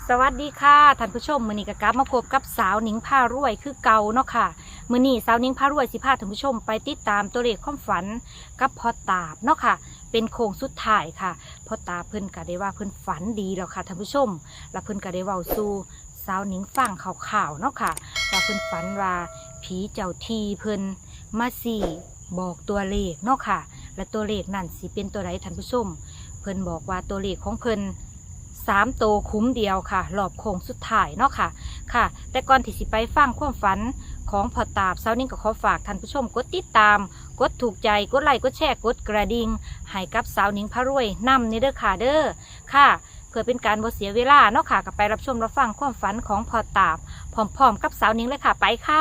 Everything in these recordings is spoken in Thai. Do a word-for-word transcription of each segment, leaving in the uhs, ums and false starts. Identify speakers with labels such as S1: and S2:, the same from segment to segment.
S1: สวัสดีค่ะท่านผู้ชมมื้อนี้ก็กลับมาพบกับสาวหนิงพารวยคือเก่าเนาะค่ะมื้อนี้สาวหนิงพารวยสิพาท่านผู้ชมไปติดตามตัวเลขความฝันกับพ่อตาบเนาะค่ะเป็นโค้งสุดท้ายค่ะพ่อตาเพิ่นก็ได้ว่าเพิ่นฝันดีแล้วค่ะท่านผู้ชมและเพิ่นก็ได้เว้าสู่สาวหนิงฟังข่าวๆเนาะค่ะว่าเพิ่นฝันว่าผีเจ้าที่เพิ่นมาสี่บอกตัวเลขเนาะค่ะและตัวเลขนั่นสิเป็นตัวใดท่านผู้ชมเพิ่นบอกว่าตัวเลขของเพิ่นสามโตคุ้มเดียวค่ะรอบโค้งสุดท้ายเนาะค่ะค่ะแต่ก่อนที่สิไปฟังความฝันของพ่อตาบเช้านี้ก็ขอฝากท่านผู้ชมกดติดตามกดถูกใจกดไลค์กดแชร์กดกระดิ่งให้กับสาวหนิงพารวยนำนี่เด้อค่ะเด้อค่ะเพื่อเป็นการบ่เสียเวลาเนาะค่ะก็ไปรับชมรับฟังความฝันของพ่อตาบพร้อมๆกับสาวหนิงเลยค่ะไปค่ะ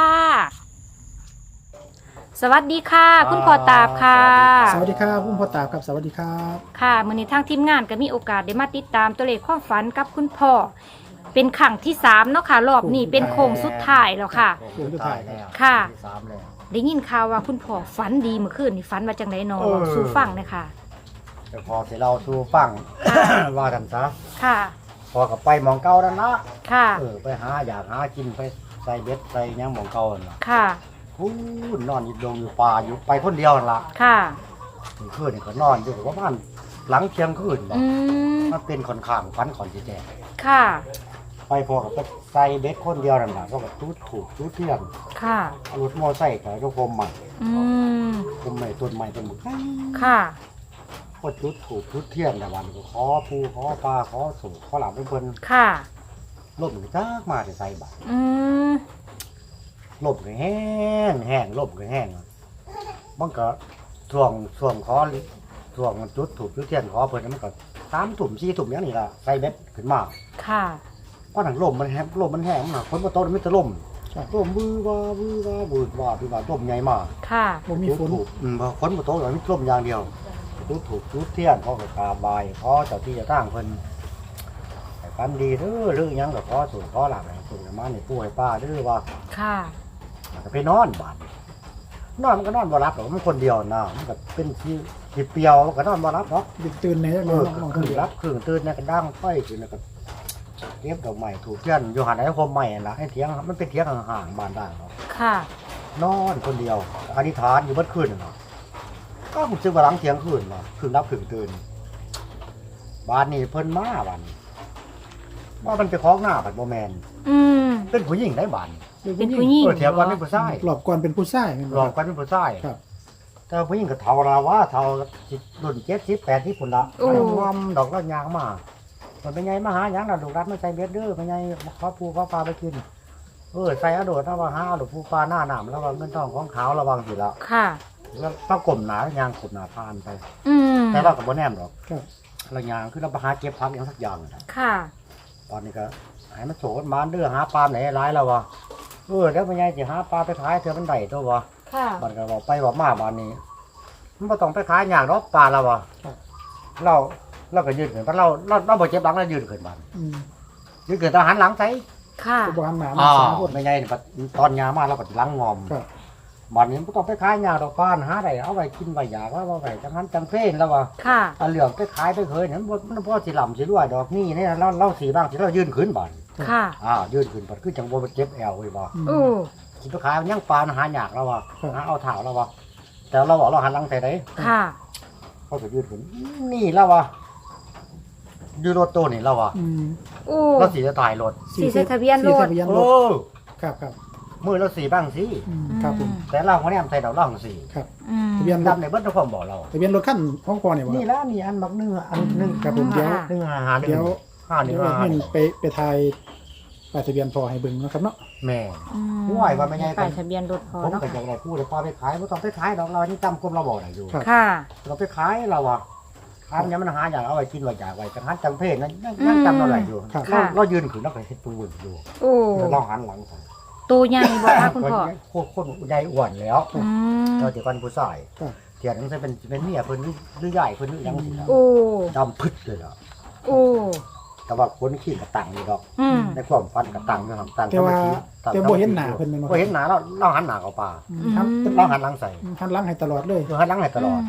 S1: สวัสดีค่ะคุณพ่อตาบค่ะ
S2: สวัสดีครับคุณพ่อตาบครับสวัสดีครับ
S1: ค่ะมื้อนี้ทางทีมงานก็มีโอกาสได้มาติดตามตัวเลขความฝันกับคุณพ่อเป็นครั้งที่สามเนาะค่ะรอบนี้เป็นโค้งสุดท้ายแล้วค่ะ
S2: โค้งสุดท้ายแล้ว
S1: ค่ะ
S3: สามแล้ว
S1: ได้ยินข่าวว่าคุณพ่อฝันดีเมื่อคืนนี่ฝันว่าจังได๋เนาะ
S2: เออ
S1: สู่ฟังเลยค่ะ
S3: แต่พอเสร็จเราสู่ฟัง ว่ากันซะ
S1: ค่ะ
S3: พอกับไปหมองเก่านั่นละ
S1: ค่ะ
S3: เออไปหาอยากหากินไปใส่เบ็ดใส่หยังหมองเก่านั่นล่ะ
S1: ค่ะ
S3: พูนนอนอยู่ดงอยู่ป่าอยู่ไปคนเดียวนั่นละ
S1: ค่ะ
S3: คืนนี่ก็นอนอยู่ประมาณหลังเที่ยงคืนบ่
S1: อืม
S3: มันเป็นค่อนข้างฝันขอนสิแจ้ง
S1: ค่ะ
S3: ไปพอกับไปใส่เบ็ดคนเดียวนั่นล่ะก็กับตูดถูกตูดเทียน
S1: ค่ะ
S3: เอารถมอไซค์กับรถพรมใหม่
S1: อืม
S3: พรมใหม่ต้นใหม่ต้นหมึก
S1: ค่ะ
S3: ก็จุดถูกจุดเทียนแต่วันก็ขอปูขอปลาขอสูขอหลับเพิ่น
S1: ค่ะ
S3: ล่มก็จักมาแต่ใส่บาตร
S1: อืม
S3: ล่มก็แห้งแห้งล่มก็แห้งมันก็ช่วงช่วงขอช่วงจุดถูกจุดเทียนขอเพิ่นมันก็สามถุ่มสี่ถุ่มอย่างนี้ล่ะใส่เบ็ดขึ้นมา
S1: ค่ะ
S3: ก็หนังล่มมันแห้งล่มมันแห้งมันหนักคนบ่โตมันจะล่มล่มมือว่ามือว่าบืดว่าบืดว่าล่มใหญ่มาก
S1: ค่ะ
S2: บ่มีฝน
S3: ถูกอืมคนบ่โตเลยมันล่มอย่างเดียวจุดถูกจุดเทียนขอก็กราบไหว้ขอเจ้าที่เจ้าทางเพิ่นให้ฝันดีเด้อหรือหยังก็ขอสูงขอหลับให้สูงมานี่ปู่ให้ป้าเด้อว่า
S1: ค่ะ
S3: ก็ไปนอนบ้านนอนมันก็นอนบ่รับหรอกมันคนเดียวนะมันก็เป็นที่ที่เปรียวมันก็นอนบ่รับหรอก
S2: ดึกตื่นใน
S3: เอ
S2: น้อ
S3: อง
S2: น้อง
S3: คื
S2: คน
S3: อ
S2: เดียว
S3: รับคือตื่นเนี่ยก็ดังไฟคือเนี่ยก็เก็บดอกไม้ถูกเทียนอยู่หันไอ้คมใหม่ล่ะให้เถียงมันเป็นเถียงห่างๆบ้านได้เนาะ
S1: ค่ะ
S3: นอนคนเดียวอธิษฐานอยู่เมื่อคืนน่ะก็ผมซื้อมาหลังเที่ยงคืนเนาะคืนรับคืนตื่นบ้านนี้เพิ่นมาบ้านนี้ว่ามันไปคล้องหน้าบัดบ่แม่น
S1: อืม
S3: เป็นผู้หญิงได้บ้าน
S1: เป็นผู้หญิง
S3: เออเถียงว่าเป็นผู้ชาย
S2: หลอกก่อนเป็นผู้ชายแม่น
S3: หล
S2: บ่
S3: อกกันเป็นผู้ชาย
S2: ครับ
S3: แต่ผู้หญิงก็เท่าเราว่าเท่ารุ่นเจ็ดสิบแปดที่ผุนละงอมดอกละยางมามันเป็นไงมาหาหยังเราดูรัดไม่ใส่เบ็ดเด้อเป็นไงขอปูขอปลาไปกินเออใส่อโดดถ้าว่าหาหรือปูปลาหน้าหนามแล้วว่าเงินทองของขาวระวังสิละ
S1: ค่ะ
S3: แล้วต้องกลมหนายางขุดหนาพานไป
S1: อืม
S3: แต่เรากับโบแนมหรอก
S2: ครับ
S3: เรายางคือเราไปหาเก็บพักอย่างสักอย่างน่ะ
S1: ค่ะ
S3: ตอนนี้ก็ให้มันโฉดมาเด้อหาปลาไหนร้ายแล้ววะเออแล้วเป็นไงจะหาปลาไปขายเธอมันได้ตัววะ
S1: ค่ะ
S3: บัดก็บอกไปบอกมาบ้านนี้มันบ่ต้องไปขายอย่างรอบปลาแล้ววะเราเราก็ยืนขึ้นเพราะเราเราเราบ่เจ็บหลังเรายืนขึ้นบ้าน
S2: อืม
S3: ยืนขึ้นทหารหลังใส่
S1: ค่ะ
S2: ก็บ่หันหน้ามา
S3: อ้า
S2: สาว คน
S3: ไม่ไงนี่บัดตอนยามาเราก็หลังงอม
S2: ครับ
S3: บ้านนี้บ่ต้องไปขายอย่างดอกบ้านหาได้เอาไว้กินไว้อยากว่าว่าไว้จังหันจังเพลนแล้ววะ
S1: ค่ะ
S3: เอาเหลืองไปขายไปเคยนั้นบ่มันบ่สิหล่ำสิรวยดอกนี่เนี่ยเราเราสีบ้างสิเรายืนขึ้นบ้าน
S1: ค่ะ
S3: อ้าวยืนขึ้นบัดคือจังบ่เจ็บแอวเว้ยบ่
S2: อืม
S1: โอ้
S3: สิไปขายมันยังปลาหาอยากแล้ววะ
S2: ครับ
S3: หาเอาเท้าแล้ววะแต่เราบอกเราหันหลังใส่ได้
S1: ค่ะ
S3: เขาจะยืดขึ้นนี่แล้ววะยืดรถตัวนี่แล้ววะ
S2: อืม
S1: โอ้
S3: เราสีจะตายรถ
S1: สีเสื้อทะเบียนรถ
S2: สีทะเบียนร
S3: โอ้
S2: ถครับครับ
S3: มือเราสีบ้างสิ
S2: อืมครับผม
S3: แต่เราคนนี้ใส่ดอกร่องสี
S2: ครับ
S1: อืม
S2: ทะเบียนรถ
S3: ดำในเบิ้ลทุกคนบอกเรา
S2: ทะเบียนรถคันของพ่อเนี่ยบ่
S3: นี่แล้วนี่อันบักหนึ่งอันหนึ่ง
S2: ครับผมเดี๋ยว
S3: หนึ่งหาหาหนึ่ง
S2: เดี๋ยว
S3: ห้าหนึ่
S2: เดี๋
S3: ง
S2: ยว
S3: ห้า
S2: ให้ไปไปถ่ายป้ายทะเบียนพ่อให้เบิ่งเนาะครับเนาะ
S3: แม่
S1: อืม
S3: ห่วยว่าไม่ไง
S1: ป้ายทะเบียนรถพอ
S3: ผม
S1: เนาะ
S3: ก็จะได้พูดเลยพอไปขายไม่ต้องไปขายดอกเรานี่จำกลมเราบอกได้อยู่
S2: ครับ
S1: ค่ะ
S3: เราไปขายเราอะขายมันยังมันหาอย่างเอาไว้กินไว้อยากไว้จังหันจังเพศนั่นยังจำเราได้อยู่
S2: ครับ
S3: เราเรายืนขึ้นเราก็เห็นตัวอยู่
S1: โอ้
S3: เราหันหลังใส่
S1: ตัวใหญ่บ่คะคุณพ่อ
S3: โคตรโคตรใหญ่อ้วนแล้ว
S1: อืม
S3: เราจะกันผู้ชาย
S2: ครับ
S3: เทียนนั้นจะเป็นเป็นเมียเพิ่นหรือหรือใหญ่เพิ่นหรือยังสิล่ะ
S1: โอ้
S3: ดำพึดเลยล่ะ
S1: โอ้
S3: แต่ว่าคนขี้กระตังอยู่ดอก
S1: อืม
S3: ในความฝันกระตังอยู่ครับตัง
S2: แต่ว่า
S3: ตัง
S2: แต่บ่เห็นหน้าเพิ่นแม่นบ่
S3: บ่เห็นหน้าเราเราหันหน้าเข้าป่า
S2: อืมหัน
S3: เราหันหลังใส่
S2: หันหลังให้ตลอดเลย
S3: คือหันหลังให้ตลอด
S1: ม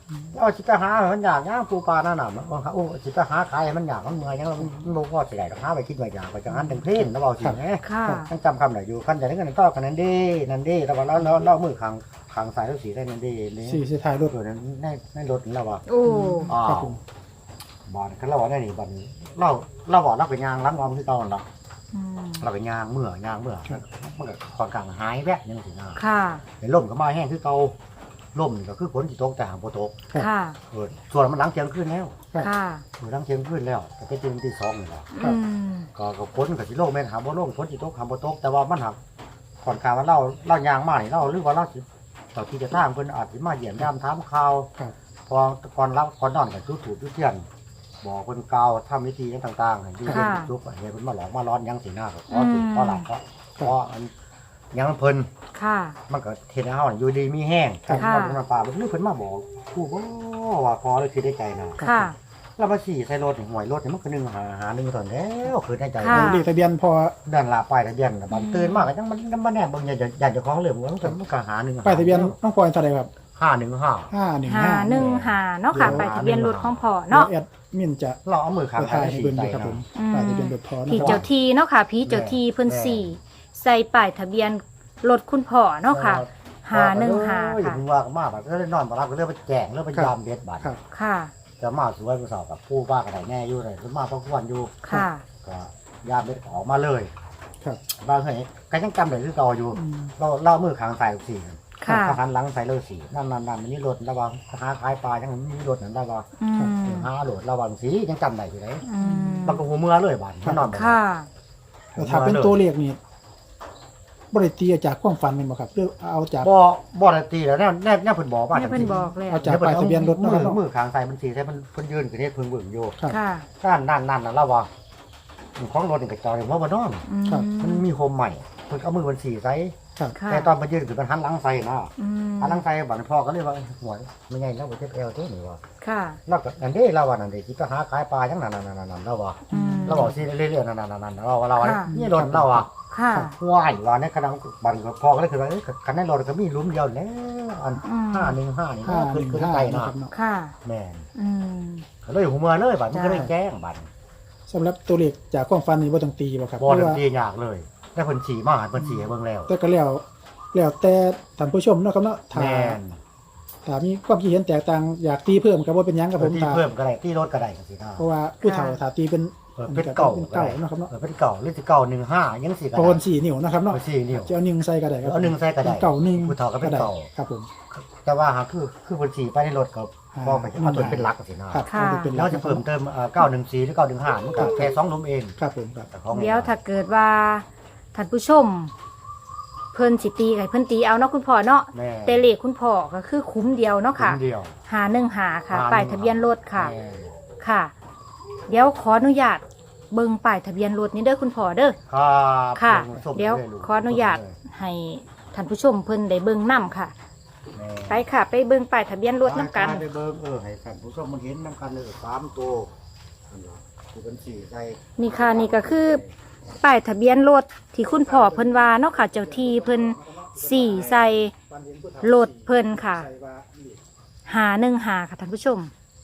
S3: เอาสิไปหามันอยากย่างปูปลาหน้าหนาวมันโอ้สิไปหาขายมันอยากมันเมื่อยยังมันบ่พอสิได้หาไปคิดว่าอยากไปจังหันจังเพลนแล้วเว้าสิแหม
S1: ค่ะ
S3: ยังจำคำได้อยู่คันจะได้เงินต่อกันนั่นเด้นั่นเด้แล้วว่าเราเรามือข้างข้างซ้ายแล้วสีได้นั่นเด้นี่
S2: สี่สิท้ายรถ
S3: ตัวนั้นในในรถนี่แล้วว่า
S1: โอ้
S3: อ้า
S2: ครับ
S3: ว
S2: ผม
S3: บอลคันเราว่าได้นี่บัดเราเราบอกเราเป็นยางล้างงอมคือเก่านั่นล่ะ
S1: อืม
S3: เราเป็นยางเมื่อยางเมื่อมันก็ค่อนข้างหายแวะยังสินะ
S1: ค่ะ
S3: เห็นลมก็มาแห้งคือเก่าลมนี่ก็คือฝนสิตกแต่หางบ่ตก
S1: ค่ะ
S3: เออส่วนมันหลังเที่ยงคืนแล้ว
S1: ค่ะ
S3: เออหลังเที่ยงคืนแล้วก็เป็นตีตีสองนี่แหละ
S1: อืม
S3: ก็ก็ฝนก็สิลงแม่นหาบ่ลงฝนสิตกหาบ่ตกแต่ว่ามันหักค่อนข้างว่าเราเรายางมานี่เราหรือว่าเราสิต่อที่จะทางเพิ่นอาจสิมาเยี่ยมยามถามข่าว
S2: ครับ
S3: พอก่อนรับก่อนนอนก็จุดถูกจุดเทียนบอกเพิ่นกล่าวทำพิธีต่างๆให้อยู่เป็นจุกเฮ็ดเพิ่นมาหลอกมาร้อนยังสิหน้าก็ขอถูกขอหลับก็ขออันยังเพิ่น
S1: ค่ะ
S3: มันก็เฮ็ดให้เฮาอยู่ดีมีแห้ง
S2: ครับ
S1: ค่ะ
S3: บ่ลงน้ำปลาบ่รู้เพิ่นมาบอกกูบ่ว่าพอเลยคือได้ใจนะ
S1: ค่ะ
S3: แล้วมาสี่ใส่รถนี่หวยรถนี่มันก็นึงหาหานึงตอนแล้วคือได้ใจ
S1: ค่ะ
S2: เลขทะเบียนพอ
S3: เดินลาป้ายทะเบียนน่ะบัดตื่นมาก็จังมันมันแน่บ่อยากอยากจะของเหลือมันก็มันก็หานึง
S2: ป้ายทะเบียนน้องพลอยเท่าไหร่ครับ
S3: ห้าหนึ่งห้า
S2: ห้าหนึ่ง
S1: หา
S2: ห้า
S1: หนึ่งหาเนาะค่ะไปทะเบียนรถของพ่อ
S2: เนาะ
S1: เนาะ
S2: แอดมินจะ
S3: เราเอามือข้าง
S2: ถ่ายให้
S3: สี่
S2: เบิ่ง
S3: ใจ
S2: ดูครับผม
S1: อืม
S2: ป้ายทะเบียนรถพอนะ
S1: ผี
S2: ครับ
S1: เจ้าทีเนาะค่ะผีเจ้าทีเพิ่นสี่ใส่ป้ายทะเบียนรถคุณพ่อเนาะค่ะ หาหนึ่งหา
S3: อย่า
S1: ค่ะ
S3: เพิ่งว่ากันมากบัดก็เลยนอนบ่รับก็เลยไปแจ้งเลยไปยามเบ็ดบัด
S2: ครับ
S1: ค่ะ
S3: จะมาสวยผู้สาวกับผู้ว่าก็ได้แน่อยู่เลยมาพักวันอยู่
S1: ค่ะ
S3: ก็ยามเบ็ดออกมาเลย
S2: ครับ
S3: บางเฮ้ยก็ยังจำได้คือเก่าอยู่
S2: อืม
S3: เราเล่ามือข้างใส่สี่
S1: ค่ะ
S3: เขาหันหลังใส่เลยสี่นั่นนั่นนั่นมันนี่รถระวังหาขายปลายังมีรถนั่นระวัง
S1: อืม
S3: หาโหลดระวังสียังจำได้อยู่เลย
S1: อืม
S3: มันก็หัวเมื่อเลยบัดมันนอนบ่หลับ
S1: ค่ะ
S2: แต่ถ้าเป็นตัวเลขนี่บริตีจากความฝันเป็นบ่ครับหรือเอาจาก
S3: บ่บ่ได้ตีแล้วแน่แน่แน่เพิ่นบอกว่า
S1: แม่เพิ่นบอกแล้ว
S2: เอาจากป้ายทะเบียนรถ
S3: มื
S2: เนาะครับ
S3: อ
S2: เนาะ
S3: มือข้างใส่มันสีใส่มันเพิ่นยืนขึ้นเฮ็ดเพิ่นเบิ่งอยู่
S2: ครับ
S1: ค่ะ
S3: นั่นนั่นนั่นน่ะระวังของรถนี่ก็จอดอยู่ว่าบ่นอน
S1: อืม
S2: ครับ
S3: มันมีโฮมใหม่เพิ่นเอามือเพิ่นสีใส่
S2: ครับ
S1: ค่ะ
S3: แต่ตอนมันยืนขึ้นมันหันหลังใส่นะ
S1: อืม
S3: หันหลังใส่บัดพ่อก็เลยว่าหัวไม่ใหญ่แล้วบ่เจ็บเอวเท่านี่ว่า
S1: ค่ะ
S3: แล้วก็อันเด้เราว่านั่นเด้สิไปหาขายปลาจังนั่นนั่นๆๆๆเราว่า
S1: อืม
S3: เราบอกสิเรื่อยๆนั่นๆๆๆเราว่าเราว่า
S1: ค่ะ
S3: นี่รถเราอ่ะ
S1: ค่ะ
S3: ว้ายว่าในขณะบันก็พ่อก็เลยคือว่าเอ้ยคันในรถก็มีหลุมเดียวแล้วอัน
S1: อืม
S3: ห้าหนึ่งห้านี่
S2: ห้า
S3: ขึ้
S2: ห
S3: น
S2: นึ่ง
S3: ขึ้น
S2: ห้า
S3: ไกล
S2: นะ
S3: นะครับ
S2: เนาะ
S1: ค่ะ
S3: แม่น
S1: อืม
S3: ก็เลยหัวเมือเลยบัดมันก็เลย
S1: จ้า
S3: แจ้งบัด
S2: สำหรับตัวเลขจากความฝันนี่บ่ต้องตีบ่ครับ
S3: บ่
S2: หรื
S3: ได้
S2: ว่า
S3: ตียากเลยได้เพิ่นสีมาหาเพิ่นสีให้เบิ่งแล้ว
S2: แต่ก็แล้วแล้วแต่ท่านผู้ชมเนาะครับเนาะถ้า
S3: แม่น
S2: ถ้ามีความคิดเห็นแตกต่างอยากตีเพิ่มก็บ่เป็นหยังครับผม
S3: ตี
S2: ถ้า
S3: เพิ่มก็ได้ตีรถก็ได้จังซี่นะ
S2: เพราะว่าผู้เฒ่าถ้าตีเป็น
S3: เออเป็นเก่า
S2: เป็น
S3: ก็
S2: เก่า
S3: ได้
S2: เนาะครับเนาะ
S3: เออเป็นเก่าหรือสิเก่าหนึ่งห้ายังสิก็
S2: โป
S3: ได้
S2: นสี่นิ้วนะครับเนาะ
S3: เอาสี่นิ้ว
S2: จะเอาหนึ่งใส่ก็ได้ครับ
S3: เอาหนึ่งใส่ก็ได้
S2: เป็นเก่าหนึ่ง
S3: ผู้เฒ่าก็เป็นเก่า
S2: ได้ครับผม
S3: แต่ว่าหาคือคือเพิ่นสีไปในรถก็
S2: อ่า
S3: พอไปเอาตัวเป็นหลักจังซี่นะครับ
S1: ค่ะ
S2: เอาเป็นห
S3: แล้
S2: ลั
S3: ว
S2: ก
S3: จะเพิ่มเติมเอ่อเก้าหนึ่งสี่หรือเก้าหนึ่งห้ามันก็แค่สองหลุมเอง
S2: ครับผมครับ
S3: แต่ของ
S1: เดี๋ยวถ้าเกิดว่าท่านผู้ชม เพิ่นสิตีไก่เพิ่นตีเอาเนาะคุณพ่อเนาะ
S3: แม่
S1: แต่เลขคุณพ่อก็คือคุ้มเดียวเนาะค่ะ
S3: นเดียว
S1: หาหนึ่งหาค่ะ
S3: หาหนึ่ง
S1: ป้ายทะเบียนรถค่ะ
S3: แม่
S1: ค่ะ เดี๋ยวขออนุญาตเบิ่งป้ายทะเบียนรถนี้เด้อคุณพ่อเด้อ
S3: ครับ
S1: ค่ะ
S3: ส่ง
S1: เดี๋ยว
S3: ลลูก
S1: ขออนุญาตให้ท่านผู้ชมเพิ่นได้เบิ่งนํค่ะ
S3: แม่
S1: ไปค่ะ ไปเบิ่งป้ายทะเบียนรถนํกัน
S3: ไปเบิ่งเออให้ท่านผู้ชมมันเห็นนํกันเลยสามตัวอันนี้คือเป็นสี่ใส่
S1: นี่ค่ะนี่ก็คือป้ายทะเบียนรถที่คุณพ่อเพิ่นว่าเนาะค่ะ เจ้าที่เพิ่นสี่ใส่รถเพิ่นค่ะ หาหนึ่งหาค่ะท่านผู้ชม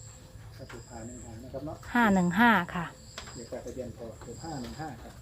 S1: ห้าหนึ่งห้าค่ะ
S2: เดี๋ยวทะเบียนพอคือห้าหนึ่งห้าครับ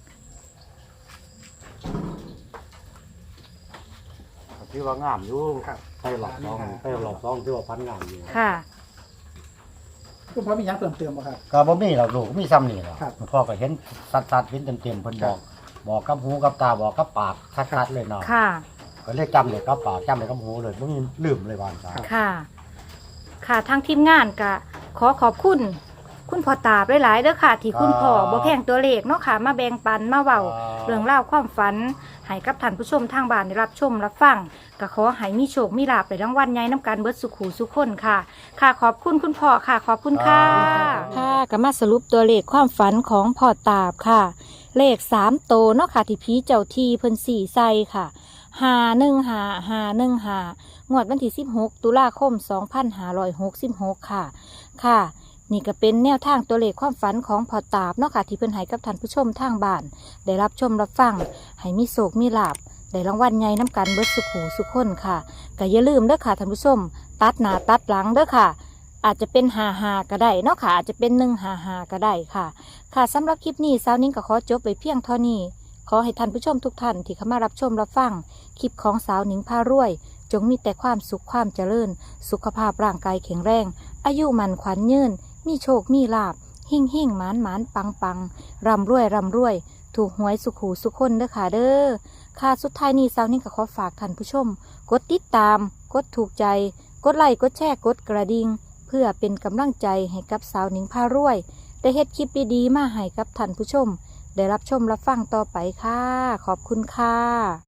S3: ที่ว่างามอยู่ไปหลอกซองไปหลอกซองที่ว่าพันงามอยู่
S1: ค่ะ
S2: คุณพ่อมีหยังเติมเติมบ่ครับ
S3: ก็บ่มีหรอกลูกมีซ้ำนี่หรอก
S2: ครับ
S3: พ่อก็เห็นสัดๆเห็นเต็มๆเพิ่นบอก บอกกับหูกับตาบอกกับปากชัดๆเลยเนาะ
S1: ค่ะ
S3: ก็เลยจำเลยกับปากจำเลยกับหูเลยบ่มีลืมเลยว่าจ้า
S1: ค่ะ ค่ะทางทีมงานก็ขอขอบคุณ คุณพ่อตาบหลายๆเด้อค่ะ ที่คุณพ่อบ่แพงตัวเลขเนาะค่ะ มาแบ่งปันมาเว้าเรื่องราวความฝันให้กับท่านผู้ชมทางบ้านได้รับชมรับฟังก็ขอให้มีโชคมีลาภในรางวัลใหญ่น้ำกันเบิดสุขหูสุขคนค่ะ ค่ะขอบคุณคุณพ่อค่ะ ขอบคุณค่ะค่ะก็มาสรุปตัวเลขความฝันของพ่อตาบค่ะ เลขสามโตวเนาะค่ะที่ผีเจ้าที่เพิ่นสี่ใส่ค่ะหาหนึ่งหาหาหนึ่งหางวดวันที่สิบหกตุลาคมสองพันห้าร้อยหกสิบหกค่ะ ค่ะ นี่ก็เป็นแนวทางตัวเลขความฝันของพ่อตาบเนาะค่ะที่เพิ่นให้กับท่านผู้ชมทางบ้าน ได้รับชมรับฟังให้มีโศกมีลาภได้รางวัลใหญ่น้ำกันเบิดสุขหูสุขคนค่ะก็อย่าลืมเด้อค่ะท่านผู้ชม ตัดหน้าตัดหลังเด้อค่ะอาจจะเป็นหาหาก็ได้เนาะค่ะอาจจะเป็นหนึ่งหาหาก็ได้ค่ะค่ะสำหรับคลิปนี้สาวนิ้งก็ขอจบไปเพียงเท่านี้ขอให้ท่านผู้ชมทุกท่านที่เข้ามารับชมรับฟังคลิปของสาวนิ้งพารวย จงมีแต่ความสุขความเจริญสุขภาพร่างกายแข็งแรงอายุมันขวัญยืนมีโชคมีลาภหิ่งหิ่งหมานหมานปังปังร่ำรวยร่ำรวยถูกหวยสุขหูสุขคนเด้อค่ะเด้อค่ะสุดท้ายนี้สาวนิ้งก็ขอฝากท่านผู้ชมกดติดตามกดถูกใจกดไลค์กดแชร์กดกระดิ่งเพื่อเป็นกำลังใจให้กับสาวนิ้งพารวยได้เฮ็ดคลิปดีๆมาให้กับท่านผู้ชมได้รับชมรับฟังต่อไปค่ะขอบคุณค่ะ